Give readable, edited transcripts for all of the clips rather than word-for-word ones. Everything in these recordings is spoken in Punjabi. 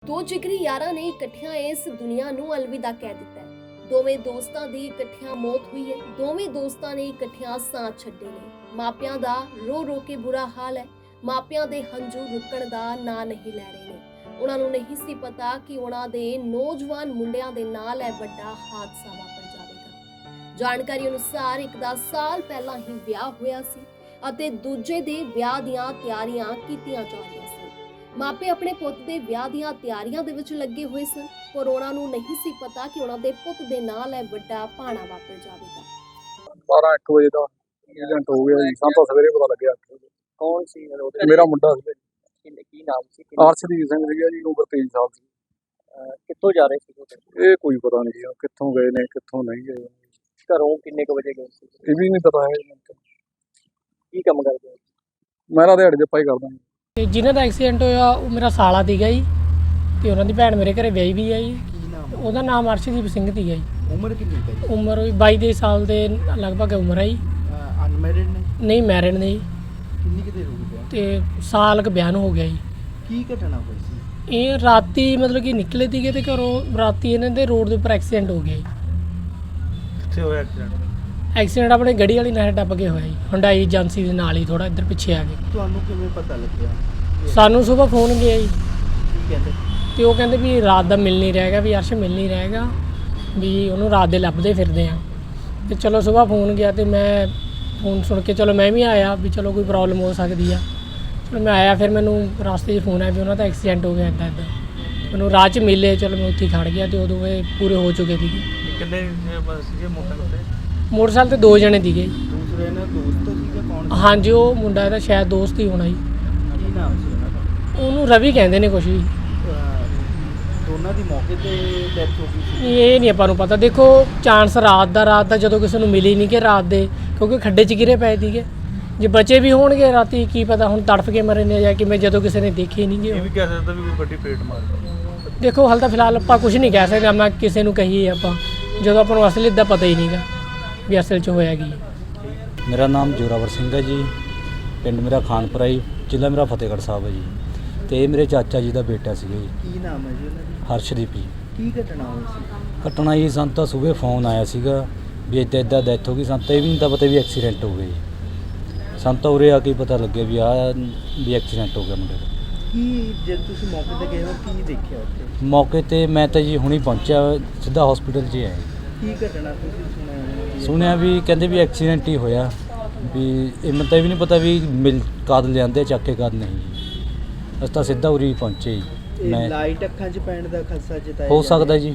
ਦੋ ਜਿਗਰੀ ਯਾਰਾਂ ਨੇ ਇਕੱਠਿਆਂ ਇਸ ਦੁਨੀਆ ਨੂੰ ਅਲਵਿਦਾ ਕਹਿ ਦਿੱਤਾ ਹੈ। ਦੋਵੇਂ ਦੋਸਤਾਂ ਦੀ ਇਕੱਠਿਆਂ ਮੌਤ ਹੋਈ ਹੈ। ਦੋਵੇਂ ਦੋਸਤਾਂ ਨੇ ਇਕੱਠਿਆਂ ਸਾਹ ਛੱਡੇ ਨੇ। ਮਾਪਿਆਂ ਦਾ ਰੋ ਰੋ ਕੇ ਬੁਰਾ ਹਾਲ ਹੈ। ਮਾਪਿਆਂ ਦੇ ਹੰਝੂ ਰੁਕਣ ਦਾ ਨਾਂ ਨਹੀਂ ਲੈ ਰਹੇ ਨੇ। ਉਹਨਾਂ ਨੂੰ ਨਹੀਂ ਸੀ ਪਤਾ ਕਿ ਉਹਨਾਂ ਦੇ ਨੌਜਵਾਨ ਮੁੰਡਿਆਂ ਦੇ ਨਾਲ ਇਹ ਵੱਡਾ ਹਾਦਸਾ ਵਾਪਰ ਜਾਵੇਗਾ। ਜਾਣਕਾਰੀ ਅਨੁਸਾਰ ਇੱਕ ਦਾ ਸਾਲ ਪਹਿਲਾਂ ਹੀ ਵਿਆਹ ਹੋਇਆ ਸੀ ਅਤੇ ਦੂਜੇ ਦੇ ਵਿਆਹ ਦੀਆਂ ਤਿਆਰੀਆਂ ਕੀਤੀਆਂ ਜਾ ਰਹੀਆਂ ਸਨ। ਮਾਪੇ ਆਪਣੇ ਪੁੱਤ ਦੇ ਵਿਆਹ ਦੀਆਂ ਤਿਆਰੀਆਂ ਦੇ ਵਿੱਚ ਲੱਗੇ ਹੋਏ ਸਨ, ਪਰ ਉਹਨਾਂ ਨੂੰ ਨਹੀਂ ਸੀ ਪਤਾ ਕਿ ਉਹਨਾਂ ਦੇ ਪੁੱਤ ਦੇ ਨਾਲ ਇਹ ਵੱਡਾ ਭਾਣਾ ਵਾਪਰ ਜਾਵੇਗਾ। 12-1 ਵਜੇ ਦਾ ਏਜੰਟ ਹੋ ਗਿਆ ਜੀ। ਸਾਨੂੰ ਤਾਂ ਸਵੇਰੇ ਪਤਾ ਲੱਗਿਆ। ਕੌਣ ਸੀ ਮੇਰਾ ਮੁੰਡਾ ਸੀ, ਕੀ ਨਾਮ ਸੀ? ਅਰਸ਼ਦੀਪ ਸਿੰਘ ਸੀਗਾ ਜੀ, ਉਮਰ 23 ਸਾਲ ਸੀ। ਕਿੱਥੋਂ ਜਾ ਰਹੇ ਸੀ? ਇਹ ਕੋਈ ਪਤਾ ਨਹੀਂ ਜੀ ਕਿੱਥੋਂ ਗਏ ਨੇ ਕਿੱਥੋਂ ਨਹੀਂ ਗਏ। ਘਰੋਂ ਕਿੰਨੇ ਕੁ ਵਜੇ ਗਏ ਸੀ? ਇਹ ਵੀ ਨਹੀਂ ਪਤਾ ਹੈ। ਕੀ ਕੰਮ ਕਰਦੇ ਹੋ? ਮੈਂ ਤਾਂ ਦਿਹਾੜੀ ਜੱਪਾ ਹੀ ਕਰਦਾ ਜੀ। ਤੇ ਜਿਨ੍ਹਾਂ ਦਾ ਐਕਸੀਡੈਂਟ ਹੋਇਆ ਉਹ ਮੇਰਾ ਸਾਲਾ ਸੀਗਾ ਜੀ, ਤੇ ਉਹਨਾਂ ਦੀ ਭੈਣ ਮੇਰੇ ਘਰੇ ਵਿਆਹੀ ਵੀ ਹੈ ਜੀ। ਕੀ ਨਾਮ? ਉਹਦਾ ਨਾਮ ਅਰਸ਼ਦੀਪ ਸਿੰਘ ਸੀਗਾ ਜੀ। ਉਮਰ ਕਿੰਨੀ ਹੈ ਜੀ? ਉਮਰ ਉਹਦੀ 22 ਸਾਲ ਦੇ ਲਗਭਗ ਉਮਰ ਹੈ ਜੀ। ਅਨਮੈਰਿਡ ਨੇ? ਨਹੀਂ, ਮੈਰਿਡ ਨੇ ਜੀ। ਕਿੰਨੀ ਕਿਤੇ ਹੋ ਗਈ? ਤੇ ਸਾਲ ਕੁ ਬਿਆਨ ਹੋ ਗਿਆ ਜੀ। ਕੀ ਘਟਨਾ ਹੋਈ ਸੀ? ਇਹ ਰਾਤੀ ਮਤਲਬ ਕਿ ਨਿਕਲੇ ਸੀਗੇ ਤੇ ਘਰੋਂ ਰਾਤੀ ਇਹਨਾਂ ਦੇ ਰੋਡ ਦੇ ਉੱਪਰ ਐਕਸੀਡੈਂਟ ਹੋ ਗਿਆ ਜੀ। ਕਿੱਥੇ ਹੋਇਆ ਐਕਸੀਡੈਂਟ? ਐਕਸੀਡੈਂਟ ਆਪਣੇ ਗੱਡੀ ਵਾਲੀ ਨਾਲ ਟੱਪ ਕੇ ਹੋਇਆ ਜੀ, ਹੁੰਡਾਈ ਏਜੰਸੀ ਦੇ ਨਾਲ ਹੀ ਥੋੜਾ ਇੱਧਰ ਪਿੱਛੇ ਆ ਕੇ। ਤੁਹਾਨੂੰ ਕਿਵੇਂ ਪਤਾ ਲੱਗਿਆ? ਸਾਨੂੰ ਸਵੇਰ ਫੋਨ ਗਿਆ ਜੀ, ਕੀ ਕਹਿੰਦੇ? ਤੇ ਉਹ ਕਹਿੰਦੇ ਵੀ ਰਾਤ ਦਾ ਮਿਲ ਨਹੀਂ ਰਹੇਗਾ, ਵੀ ਅਰਸ਼ ਮਿਲ ਨਹੀਂ ਰਹੇਗਾ, ਵੀ ਉਹਨੂੰ ਰਾਤ ਦੇ ਲੱਭਦੇ ਫਿਰਦੇ ਆ। ਤੇ ਚਲੋ ਸਵੇਰ ਫੋਨ ਗਿਆ ਤੇ ਮੈਂ ਫੋਨ ਸੁਣ ਕੇ ਚਲੋ ਮੈਂ ਵੀ ਆਇਆ ਵੀ ਚਲੋ ਕੋਈ ਪ੍ਰੋਬਲਮ ਹੋ ਸਕਦੀ ਆ। ਚਲੋ ਮੈਂ ਆਇਆ, ਫਿਰ ਮੈਨੂੰ ਰਸਤੇ 'ਚ ਫੋਨ ਆਇਆ ਵੀ ਉਹਨਾਂ ਦਾ ਐਕਸੀਡੈਂਟ ਹੋ ਗਿਆ ਇੱਦਾਂ ਇੱਦਾਂ। ਮੈਨੂੰ ਰਾਹ 'ਚ ਮਿਲੇ, ਚਲੋ ਮੈਂ ਉੱਥੇ ਖੜ ਗਿਆ ਤੇ ਉਦੋਂ ਇਹ ਪੂਰੇ ਹੋ ਚੁੱਕੇ ਸੀਗੇ। ਕਿੰਨੇ ਸੀਗੇ ਮੋਟਰਸਾਈਕਲ ਤੇ? ਮੋਟਰਸਾਈਕਲ ਤੇ 2 ਜਣੇ ਸੀਗੇ। ਦੂਸਰੇ ਨਾਲ ਦੋਸਤ ਸੀਗਾ? ਕੌਣ? ਹਾਂਜੀ, ਉਹ ਮੁੰਡਾ ਇਹਦਾ ਸ਼ਾਇਦ ਦੋਸਤ ਹੀ ਹੋਣਾ ਜੀ। ਕੀ ਨਾਮ ਸੀ ਉਹਨਾਂ ਦਾ? ਉਹਨੂੰ ਰਵੀ ਕਹਿੰਦੇ ਨੇ ਕੁਛ ਵੀ। ਦੋਨਾਂ ਦੀ ਮੌਕੇ ਤੇ ਡੈਥ ਹੋ ਗਈ ਸੀ? ਇਹ ਨਹੀਂ ਆਪਾਂ ਨੂੰ ਪਤਾ। ਦੇਖੋ ਚਾਂਸ ਰਾਤ ਦਾ ਜਦੋਂ ਕਿਸੇ ਨੂੰ ਮਿਲੀ ਨਹੀਂ ਕਿ ਰਾਤ ਦੇ, ਕਿਉਂਕਿ ਖੱਡੇ 'ਚ ਗਿਰੇ ਪਏ ਸੀਗੇ। ਜੇ ਬਚੇ ਵੀ ਹੋਣਗੇ ਰਾਤੀ ਕੀ ਪਤਾ ਹੁਣ ਤੜਫ ਕੇ ਮਰੇ ਨੇ ਜਾਂ ਕਿਵੇਂ, ਜਦੋਂ ਕਿਸੇ ਨੇ ਦੇਖੇ ਨਹੀਂ ਗੇ। ਇਹ ਵੀ ਕਹਿ ਸਕਦਾ ਵੀ ਕੋਈ ਵੱਡੀ ਫੇਟ ਮਾਰ ਗਈ। ਦੇਖੋ ਹਾਲ ਤਾਂ ਫਿਲਹਾਲ ਆਪਾਂ ਕੁਝ ਨਹੀਂ ਕਹਿ ਸਕਦੇ। ਮੈਂ ਕਿਸੇ ਨੂੰ ਕਹੀਏ ਆਪਾਂ ਜਦੋਂ ਆਪਾਂ ਨੂੰ ਅਸਲੀ ਦਾ ਪਤਾ ਹੀ ਨਹੀਂਗਾ ਵੀ ਅਸਲ 'ਚ ਹੋਇਆ ਕੀ। ਮੇਰਾ ਨਾਮ ਜੋਰਾਵਰ ਸਿੰਘ ਹੈ ਜੀ। ਪਿੰਡ ਮੇਰਾ ਖਾਨਪੁਰਾ ਜੀ, ਜ਼ਿਲ੍ਹਾ ਮੇਰਾ ਫਤਿਹਗੜ੍ਹ ਸਾਹਿਬ ਹੈ ਜੀ। ਤੇ ਇਹ ਮੇਰੇ ਚਾਚਾ ਜੀ ਦਾ ਬੇਟਾ ਸੀਗਾ ਜੀ। ਕੀ ਨਾਮ ਹੈ ਜੀ ਉਹਨਾਂ ਦੀ? ਹਰਸ਼ਦੀਪ ਜੀ। ਕੀ ਘਟਨਾ ਹੋਈ ਸੀ? ਘਟਨਾ ਜੀ ਸਾਨੂੰ ਤਾਂ ਸਵੇਰੇ ਫੋਨ ਆਇਆ ਸੀਗਾ ਵੀ ਇੱਦਾਂ ਡੈਥ ਹੋ ਗਈ। ਸਾਨੂੰ ਤਾਂ ਇਹ ਵੀ ਨਹੀਂ ਤਾਂ ਪਤਾ ਵੀ ਐਕਸੀਡੈਂਟ ਹੋ ਗਿਆ ਜੀ। ਸਾਨੂੰ ਤਾਂ ਉਰੇ ਆ ਕੇ ਪਤਾ ਲੱਗਿਆ ਵੀ ਐਕਸੀਡੈਂਟ ਹੋ ਗਿਆ ਮੁੰਡੇ ਦਾ। ਕੀ ਜਦ ਤੁਸੀਂ ਮੌਕੇ ਤੇ ਗਏ ਹੋ ਕੀ ਦੇਖਿਆ ਉੱਥੇ? ਮੌਕੇ ਤੇ ਮੈਂ ਤਾਂ ਜੀ ਹੁਣੀ ਪਹੁੰਚਿਆ, ਸਿੱਧਾ ਹਸਪੀਟਲ 'ਚ ਆਇਆ। ਕੀ ਘਟਨਾ ਤੁਸੀਂ ਸੁਣਿਆ ਵੀ ਕਹਿੰਦੇ ਵੀ ਐਕਸੀਡੈਂਟ ਹੀ ਹੋਇਆ, ਵੀ ਇਹ ਮੈਨੂੰ ਤਾਂ ਇਹ ਵੀ ਨਹੀਂ ਪਤਾ ਵੀ ਕਦ ਲਿਆਂਦੇ ਚੱਕ ਕੇ ਕਦ ਨਹੀਂ ਜੀ। ਅਸੀਂ ਤਾਂ ਸਿੱਧਾ ਉਰੀ ਪਹੁੰਚੇ ਜੀ। ਮੈਂ ਲਾਈਟ ਅੱਖਾਂ 'ਚ ਪੈਣ ਦਾ ਖਦਸ਼ਾ ਜਤਾਇਆ ਹੋ ਸਕਦਾ ਜੀ।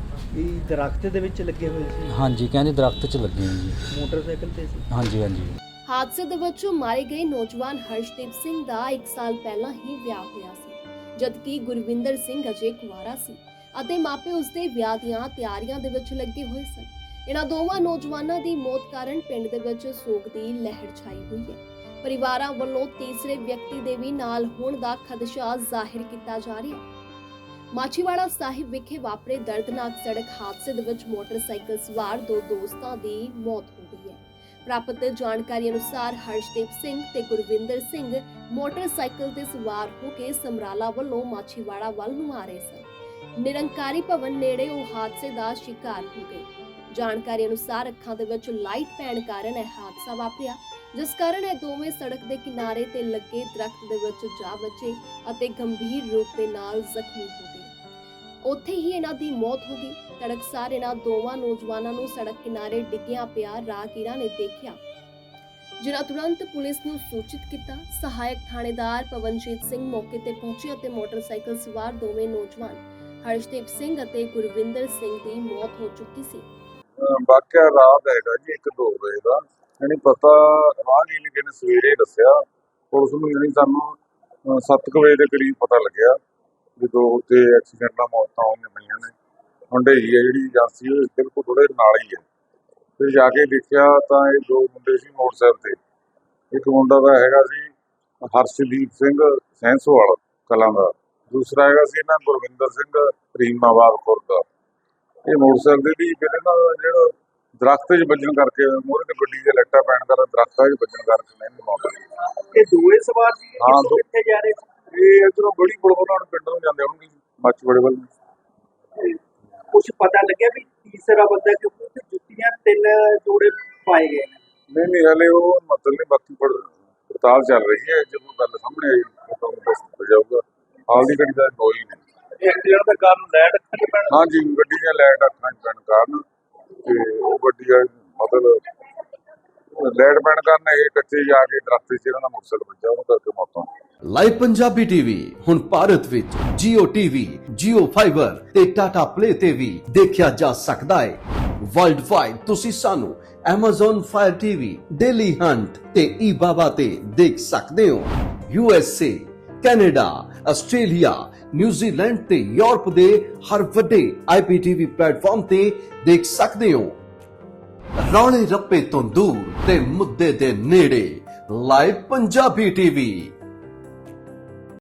ਇਹ ਦਰਖਤ ਦੇ ਵਿੱਚ ਲੱਗੇ ਹੋਏ ਸੀ? ਹਾਂਜੀ, ਕਹਿੰਦੇ ਦਰਖਤ 'ਚ ਲੱਗੇ ਨੇ ਜੀ। ਮੋਟਰਸਾਈਕਲ ਤੇ ਸੀ? ਹਾਂਜੀ ਹਾਂਜੀ। ਹਾਦਸੇ ਦੇ ਵਿੱਚ ਮਾਰੇ ਗਏ ਨੌਜਵਾਨ ਹਰਸ਼ਦੀਪ ਸਿੰਘ ਦਾ 1 ਸਾਲ ਪਹਿਲਾਂ ਹੀ ਵਿਆਹ ਹੋਇਆ ਸੀ, ਜਦਕਿ ਗੁਰਵਿੰਦਰ ਸਿੰਘ ਅਜੇ ਕੁਆਰਾ ਸੀ ਅਤੇ ਮਾਪੇ ਉਸਦੇ ਵਿਆਹ ਦੀਆਂ ਤਿਆਰੀਆਂ ਦੇ ਵਿੱਚ ਲੱਗੇ ਹੋਏ ਸਨ। ਇਹਨਾਂ ਦੋਵਾਂ ਨੌਜਵਾਨਾਂ ਦੀ ਮੌਤ ਕਾਰਨ ਪਿੰਡ ਦੇ ਵਿੱਚ ਸੋਗ ਦੀ ਲਹਿਰ ਛਾਈ ਹੋਈ ਹੈ। ਪਰਿਵਾਰਾਂ ਵੱਲੋਂ ਤੀਸਰੇ ਵਿਅਕਤੀ ਦੇ ਵੀ ਨਾਲ ਹੋਣ ਦਾ ਖਦਸ਼ਾ ਜ਼ਾਹਿਰ ਕੀਤਾ ਜਾ ਰਿਹਾ ਹੈ। ਮਾਛੀਵਾੜਾ ਸਾਹਿਬ ਵਿਖੇ ਵਾਪਰੇ ਦਰਦਨਾਕ ਸੜਕ ਹਾਦਸੇ ਦੇ ਵਿੱਚ ਮੋਟਰਸਾਈਕਲ ਸਵਾਰ 2 ਦੋਸਤਾਂ ਦੀ ਮੌਤ ਹੋ ਗਈ ਹੈ। ਪ੍ਰਾਪਤ ਜਾਣਕਾਰੀ ਅਨੁਸਾਰ ਹਰਸ਼ਦੀਪ ਸਿੰਘ ਤੇ ਗੁਰਵਿੰਦਰ ਸਿੰਘ ਮੋਟਰਸਾਈਕਲ ਤੇ ਸਵਾਰ ਹੋ ਕੇ ਸਮਰਾਲਾ ਵੱਲੋਂ ਮਾਛੀਵਾੜਾ ਵੱਲ ਨੂੰ ਆ ਰਹੇ ਸਨ। ਨਿਰੰਕਾਰੀ ਭਵਨ ਨੇੜੇ ਉਹ ਹਾਦਸੇ ਦਾ ਸ਼ਿਕਾਰ ਹੋ ਗਏ। ਜਾਣਕਾਰੀ ਅਨੁਸਾਰ ਅੱਖਾਂ ਦੇ ਵਿੱਚ ਲਾਈਟ ਪੈਣ ਕਾਰਨ ਇਹ ਹਾਦਸਾ ਵਾਪਰਿਆ, ਜਿਸ ਕਾਰਨ ਇਹ ਦੋਵੇਂ ਸੜਕ ਦੇ ਕਿਨਾਰੇ ਤੇ ਲੱਗੇ ਦਰਖਤ ਦੇ ਵਿੱਚ ਜਾ ਵੱਜੇ ਅਤੇ ਗੰਭੀਰ ਰੂਪ ਦੇ ਨਾਲ ਜ਼ਖਮੀ ਹੋ ਗਏ। ਉੱਥੇ ਹੀ ਇਹਨਾਂ ਦੀ ਮੌਤ ਹੋ ਗਈ। ਤੜਕਸਾਰ ਇਹਨਾਂ ਦੋਵਾਂ ਨੌਜਵਾਨਾਂ ਨੂੰ ਸੜਕ ਕਿਨਾਰੇ ਡਿੱਗਿਆ ਪਿਆ ਰਾਹਗੀਰਾਂ ਨੇ ਦੇਖਿਆ, ਜਿਨ੍ਹਾਂ ਤੁਰੰਤ ਪੁਲਿਸ ਨੂੰ ਸੂਚਿਤ ਕੀਤਾ। ਸਹਾਇਕ ਥਾਣੇਦਾਰ ਪਵਨਜੀਤ ਸਿੰਘ ਮੌਕੇ ਤੇ ਪਹੁੰਚੇ ਅਤੇ ਮੋਟਰਸਾਈਕਲ ਸਵਾਰ ਦੋਵੇਂ ਨੌਜਵਾਨ ਹਰਸ਼ਦੀਪ ਸਿੰਘ ਅਤੇ ਗੁਰਵਿੰਦਰ ਸਿੰਘ ਦੀ ਮੌਤ ਹੋ ਚੁੱਕੀ ਸੀ। ਵਾਕਿਆ ਰਾਤ ਹੈਗਾ ਜੀ 1-2 ਵਜੇ ਦਾ। ਯਾਨੀ ਪਤਾ ਰਾਹਗੀਰ ਨੇ ਕਿਨੇ ਸਵੇਰੇ ਦੱਸਿਆ ਪੁਲਿਸ ਨੂੰ। ਯਾਨੀ ਸਾਨੂੰ 7 ਵਜੇ ਦੇ ਕਰੀਬ ਪਤਾ ਲੱਗਿਆ ਵੀ 2 ਤੇ ਐਕਸੀਡੈਂਟ ਨਾਲ ਮੌਤਾਂ ਹੋਈਆਂ ਪਈਆਂ ਨੇ। ਹੁੰਡਈ ਹੈ ਜਿਹੜੀ ਏਜੰਸੀ ਉਹ ਬਿਲਕੁਲ ਥੋੜੇ ਨਾਲ ਹੀ ਹੈ। ਫਿਰ ਜਾ ਕੇ ਦੇਖਿਆ ਤਾਂ ਇਹ 2 ਮੁੰਡੇ ਸੀ ਮੋਟਰਸਾਈਕਲ ਤੇ। ਇੱਕ ਮੁੰਡਾ ਦਾ ਹੈਗਾ ਸੀ ਹਰਸ਼ਦੀਪ ਸਿੰਘ ਸੈਂਸੋਵਾਲ ਕਲਾਂ ਦਾ, ਦੂਸਰਾ ਹੈਗਾ ਸੀ ਇਹਨਾਂ ਗੁਰਵਿੰਦਰ ਸਿੰਘ ਰੀਮਾਬਾਦ ਖੁਰਦ ਦਾ। ਇਹ ਮੋਟਰਸਾਈਕਲ ਦੀ ਫਿਰ ਇਹਨਾਂ ਦਾ ਜਿਹੜਾ ਦਰਖਤ 'ਚ ਵੱਜਣ ਕਰਕੇ ਮੂਹਰੇ ਤੇ ਗੱਡੀ ਦੇ ਲੱਟਾ ਪੈਣ ਕਾਰਨ ਦਰਖਤਾਂ 'ਚ ਵੱਜਣ ਕਰਕੇ ਨਹੀਂ ਮੌਤ ਹੋਈ। ਇਹ ਦੋਵੇਂ ਸਵਾਰ ਸੀ? ਹਾਂ, ਕਿੱਥੇ ਜਾ ਰਹੇ ਸੀ? ਇਹ ਇੱਧਰੋਂ ਬੜੀ ਪੁਲ ਉਹਨਾਂ ਨੂੰ ਪਿੰਡ ਨੂੰ ਜਾਂਦੇ ਹੋਣਗੇ। ਮੱਛਵਾੜੇ ਵੱਲ ਕੁਝ ਪਤਾ ਲੱਗਿਆ ਵੀ ਤੀਸਰਾ ਬੰਦਾ, ਕਿਉਂਕਿ ਉੱਥੇ ਜੁੱਤੀਆਂ 3 ਜੋੜੇ ਪਾਏ ਗਏ ਨੇ। ਨਹੀਂ ਹਲੇ ਉਹ ਮਤਲਬ ਨਹੀਂ, ਬਾਕੀ ਪੜਤਾਲ ਚੱਲ ਰਹੀ ਹੈ। ਜੇ ਕੋਈ ਗੱਲ ਸਾਹਮਣੇ ਆਈ ਤਾਂ ਤੁਹਾਨੂੰ ਦੱਸ ਦਿੱਤਾ ਜਾਊਗਾ। ਹਾਲ ਦੀ ਘੜੀ ਦਾ ਕੋਈ ਨਹੀਂ। ਐਕਸੀਡੈਂਟ ਦਾ ਕਾਰਨ ਲਾਈਟ ਅੱਖਾਂ 'ਚ ਪੈਣ? ਹਾਂਜੀ, ਗੱਡੀ ਦੀਆਂ ਲਾਈਟ ਅੱਖਾਂ 'ਚ ਪੈਣ ਕਾਰਨ ਤੇ ਉਹ ਗੱਡੀ ਦਾ ਮਤਲਬ ਲਾਈਟ ਪੈਣ ਕਾਰਨ ਇਹ ਕੱਚੇ ਜਾ ਕੇ ਦਰਖਤ 'ਚ ਇਹਨਾਂ ਦਾ ਮੋਟਰਸਾਈਕਲ ਵੱਜਾ, ਉਹਨੂੰ ਕਰਕੇ ਮੌਤ ਹੋ ਗਈ। ਲਾਈਵ ਪੰਜਾਬੀ ਟੀਵੀ ਹੁਣ ਭਾਰਤ ਵਿੱਚ Jio TV, Jio Fiber ਤੇ Tata Play ਤੇ ਵੀ ਦੇਖਿਆ ਜਾ ਸਕਦਾ ਹੈ। ਵਰਲਡ ਵਾਈਡ ਤੁਸੀਂ ਸਾਨੂੰ Amazon Fire TV, Daily Hunt ਤੇ eBaba ਤੇ ਦੇਖ ਸਕਦੇ ਹੋ। USA, ਕੈਨੇਡਾ, ਆਸਟ੍ਰੇਲੀਆ, ਨਿਊਜ਼ੀਲੈਂਡ ਤੇ ਯੂਰਪ ਦੇ ਹਰ ਵੱਡੇ IPTV ਪਲੇਟਫਾਰਮ ਤੇ ਦੇਖ ਸਕਦੇ ਹੋ। ਰੌਲੇ ਰੱਪੇ ਤੋਂ ਦੂਰ ਤੇ ਮੁੱਦੇ ਦੇ ਨੇੜੇ, ਲਾਈਵ ਪੰਜਾਬੀ ਟੀਵੀ।